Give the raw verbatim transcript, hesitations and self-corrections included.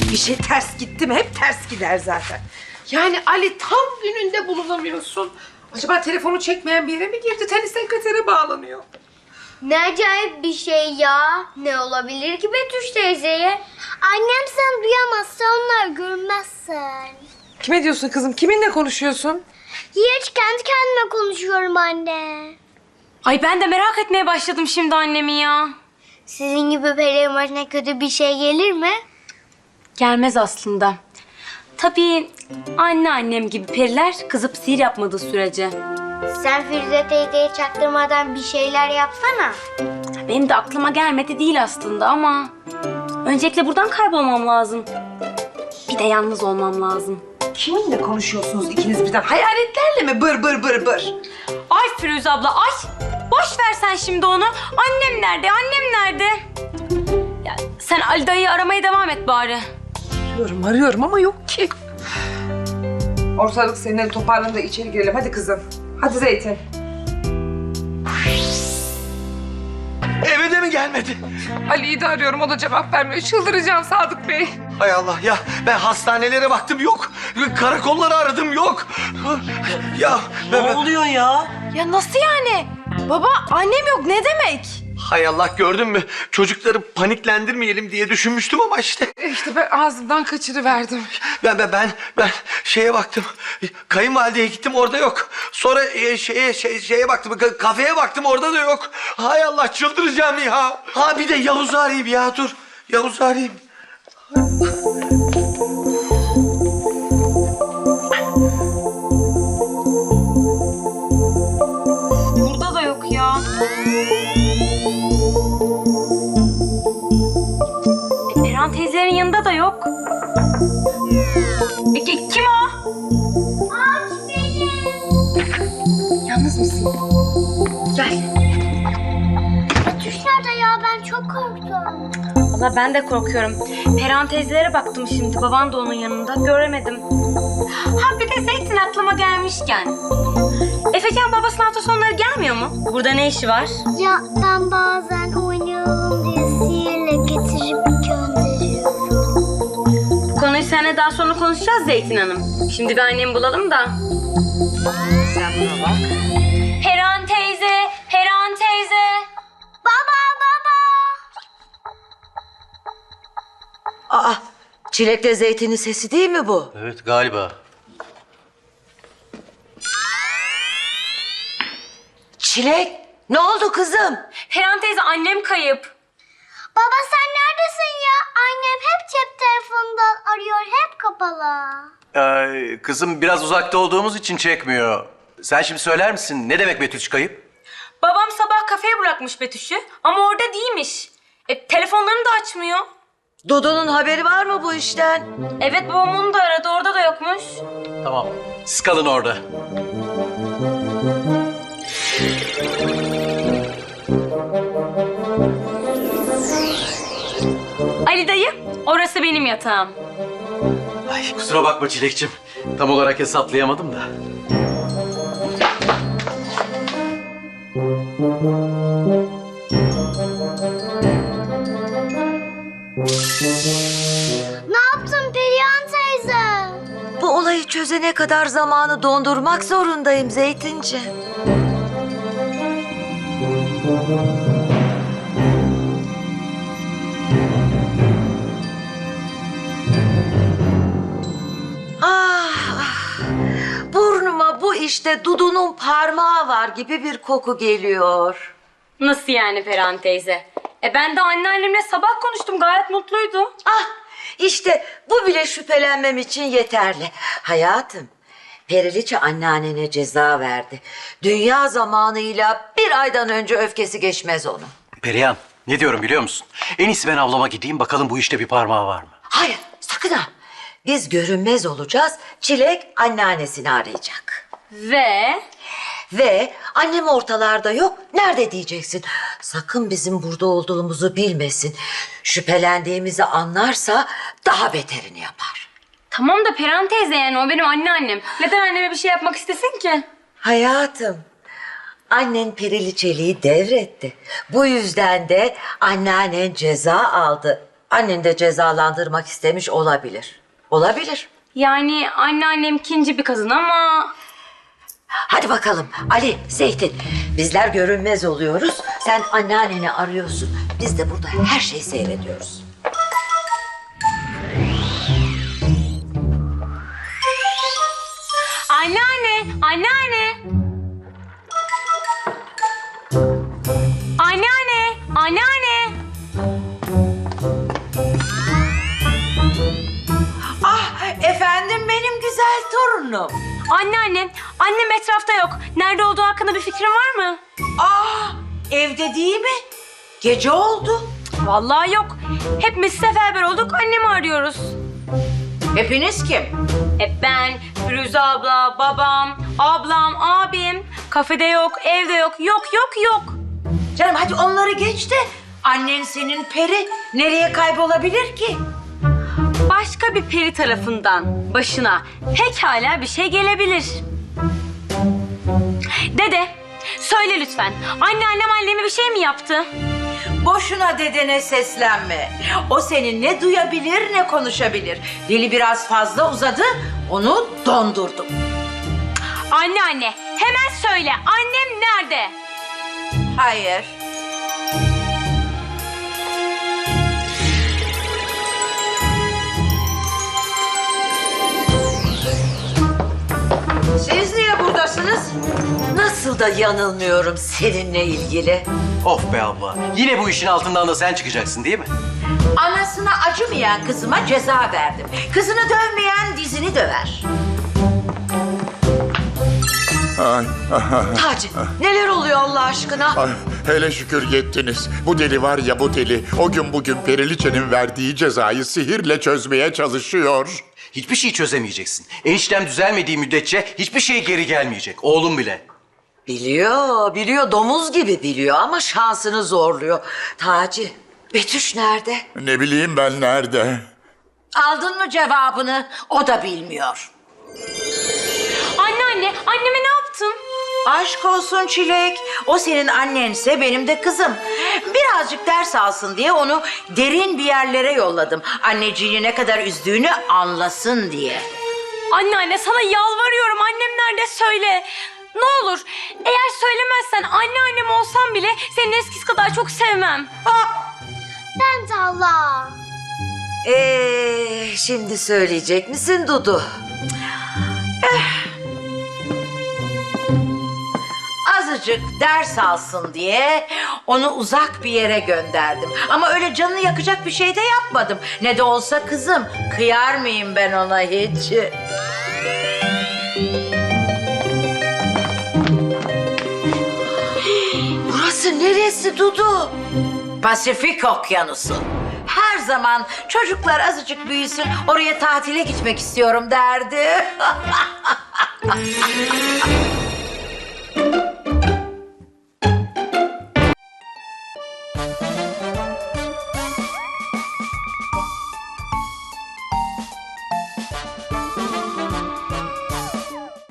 Bir şey ters gitti mi hep ters gider zaten. Yani Ali tam gününde bulunamıyorsun. Acaba telefonu çekmeyen bir yere mi girdi? Tenis sekretere bağlanıyor. Ne acayip bir şey ya. Ne olabilir ki Betüş teyzeye? Annem sen duyamazsa onlar görmezsen. Kime diyorsun kızım? Kiminle konuşuyorsun? Hiç kendi kendime konuşuyorum anne. Ay ben de merak etmeye başladım şimdi annemi ya. Sizin gibi perilerin başına kötü bir şey gelir mi? Gelmez aslında. Tabii anneannem gibi periler kızıp sihir yapmadığı sürece. Sen Firuze teyzeye çaktırmadan bir şeyler yapsana. Benim de aklıma gelmedi değil aslında ama... Öncelikle buradan kaybolmam lazım. Bir de yalnız olmam lazım. Kiminle konuşuyorsunuz ikiniz birden? Hayaletlerle mi bır bır bır bır? Ay Firuze abla ay! Boş ver sen şimdi onu. Annem nerede? Annem nerede? Ya, sen Ali dayıyı aramaya devam et bari. Arıyorum arıyorum ama yok ki. Ortalık seninle toparlanın da içeri girelim. Hadi kızım. Hadi Zeytin. Eve de mi gelmedi? Ali'yi de arıyorum. O da cevap vermiyor. Çıldıracağım Sadık Bey. Hay Allah ya, ben hastanelere baktım yok. Karakolları aradım yok. Ya ben, Ne ben- oluyor ya? Ya nasıl yani? Baba annem yok ne demek? Hay Allah, gördün mü? Çocukları paniklendirmeyelim diye düşünmüştüm ama işte. E İşte ben ağzımdan kaçırıverdim. Ben ben ben ben şeye baktım. Kayınvalideye gittim, orada yok. Sonra e, şeye şey, şeye baktım. ka- Kafeye baktım, orada da yok. Hay Allah, çıldıracağım ya. Ha bir de Yavuz'u arayayım ya, dur. Yavuz'u arayayım. Burada da yok ya. E, Perihan teyzelerin yanında da yok. E, ki- kim o? Aç beni. Yalnız mısın? Gel. Betüş nerede ya? Ben çok korktum. Valla ben de korkuyorum. Perihan teyzelere baktım şimdi. Baban da onun yanında. Göremedim. Ha bir de Zeytin aklıma gelmişken. Efecan babasının hafta sonları gelmiyor mu? Burada ne işi var? Ya ben bazen oynayalım diye sihirle getirip gönderiyorum. Bu konuyu seninle daha sonra konuşacağız Zeytin Hanım. Şimdi bir annemi bulalım da. Sen buna bak. Perihan teyze, Perihan teyze. Baba baba. Aa, Çilek'le Zeytin'in sesi değil mi bu? Evet galiba. Çilek, ne oldu kızım? Perihan teyze annem kayıp. Baba sen neredesin ya? Annem hep cep telefonundan arıyor. Hep kapalı. Ee, kızım biraz uzakta olduğumuz için çekmiyor. Sen şimdi söyler misin? Ne demek Betüş kayıp? Babam sabah kafeye bırakmış Betüş'ü ama orada değilmiş. E, telefonlarını da açmıyor. Dudu'nun haberi var mı bu işten? Evet babam onu da aradı orada da yokmuş. Tamam. Siz kalın orada. Ali dayı orası benim yatağım. Ay kusura bakma Çilekçim. Tam olarak hesaplayamadım da. Ne yaptın Perihan teyze? Bu olayı çözene kadar zamanı dondurmak zorundayım Zeytinci. Ah, ah. Burnuma bu işte Dudu'nun parmağı var gibi bir koku geliyor. Nasıl yani Perihan teyze? E ben de anneannemle sabah konuştum gayet mutluydu. Ah, işte bu bile şüphelenmem için yeterli. Hayatım, Periliçe anneannene ceza verdi. Dünya zamanıyla bir aydan önce öfkesi geçmez onun. Perihan, ne diyorum biliyor musun? En iyisi ben avlama gideyim bakalım bu işte bir parmağı var mı? Hayır, sakın ha. Biz görünmez olacağız, Çilek anneannesini arayacak. Ve Ve annem ortalarda yok, nerede diyeceksin? Sakın bizim burada olduğumuzu bilmesin. Şüphelendiğimizi anlarsa daha beterini yapar. tamam da Perihan teyze yani o benim anneannem. Neden anneme bir şey yapmak istesin ki? Hayatım, annen Periliçeliği devretti. Bu yüzden de anneannen ceza aldı. Annen de cezalandırmak istemiş olabilir. Olabilir. Yani anneannem ikinci bir kadın ama... Hadi bakalım Ali, Zeytin. Bizler görünmez oluyoruz. Sen anneanneni arıyorsun. Biz de burada her şeyi seyrediyoruz. Anneanne, anneanne. Anneanne, anneanne. Ah efendim benim güzel torunum. Anneanne, annem etrafta yok. Nerede olduğu hakkında bir fikrin var mı? Ah evde değil mi? Gece oldu. Vallahi yok. Hepimiz seferber olduk, annemi arıyoruz. Hepiniz kim? Hep ben, Firuze abla, babam, ablam, abim. Kafede yok, evde yok, yok yok yok. Canım hadi onları geç de annen senin peri nereye kaybolabilir ki? Başka bir peri tarafından başına pekala bir şey gelebilir. Dede, söyle lütfen. Anneannem anneme bir şey mi yaptı? Boşuna dedene seslenme. O seni ne duyabilir ne konuşabilir. Dili biraz fazla uzadı, onu dondurdum. Anneanne, hemen söyle. Annem nerede? Hayır. Siz niye buradasınız? Nasıl da yanılmıyorum seninle ilgili. Of be abla. Yine bu işin altından da sen çıkacaksın değil mi? Anasına acımayan kızıma ceza verdim. Kızını dövmeyen dizini döver. Ay, ay, Taci, neler oluyor Allah aşkına? ay, hele şükür yettiniz. Bu deli var ya bu deli. O gün bugün Periliçe'nin verdiği cezayı sihirle çözmeye çalışıyor. Hiçbir şey çözemeyeceksin. Eniştem düzelmediği müddetçe hiçbir şey geri gelmeyecek. Oğlum bile. Biliyor, biliyor. Domuz gibi biliyor ama şansını zorluyor. Taci, Betüş nerede? Ne bileyim ben nerede? Aldın mı cevabını? O da bilmiyor. Anneanne, anneme ne yaptın? Aşk olsun Çilek. O senin annense benim de kızım. Birazcık ders alsın diye onu derin bir yerlere yolladım. Anneciğini ne kadar üzdüğünü anlasın diye. Anneanne, sana yalvarıyorum. Annem nerede söyle. Ne olur, eğer söylemezsen anneannem olsam bile seni eskisi kadar çok sevmem. Ben de Allah. Ee, şimdi söyleyecek misin Dudu? Azıcık ders alsın diye onu uzak bir yere gönderdim. Ama öyle canını yakacak bir şey de yapmadım. Ne de olsa kızım. Kıyar mıyım ben ona hiç? Burası neresi Dudu? Pasifik Okyanusu. Her zaman çocuklar azıcık büyüsün, oraya tatile gitmek istiyorum derdi.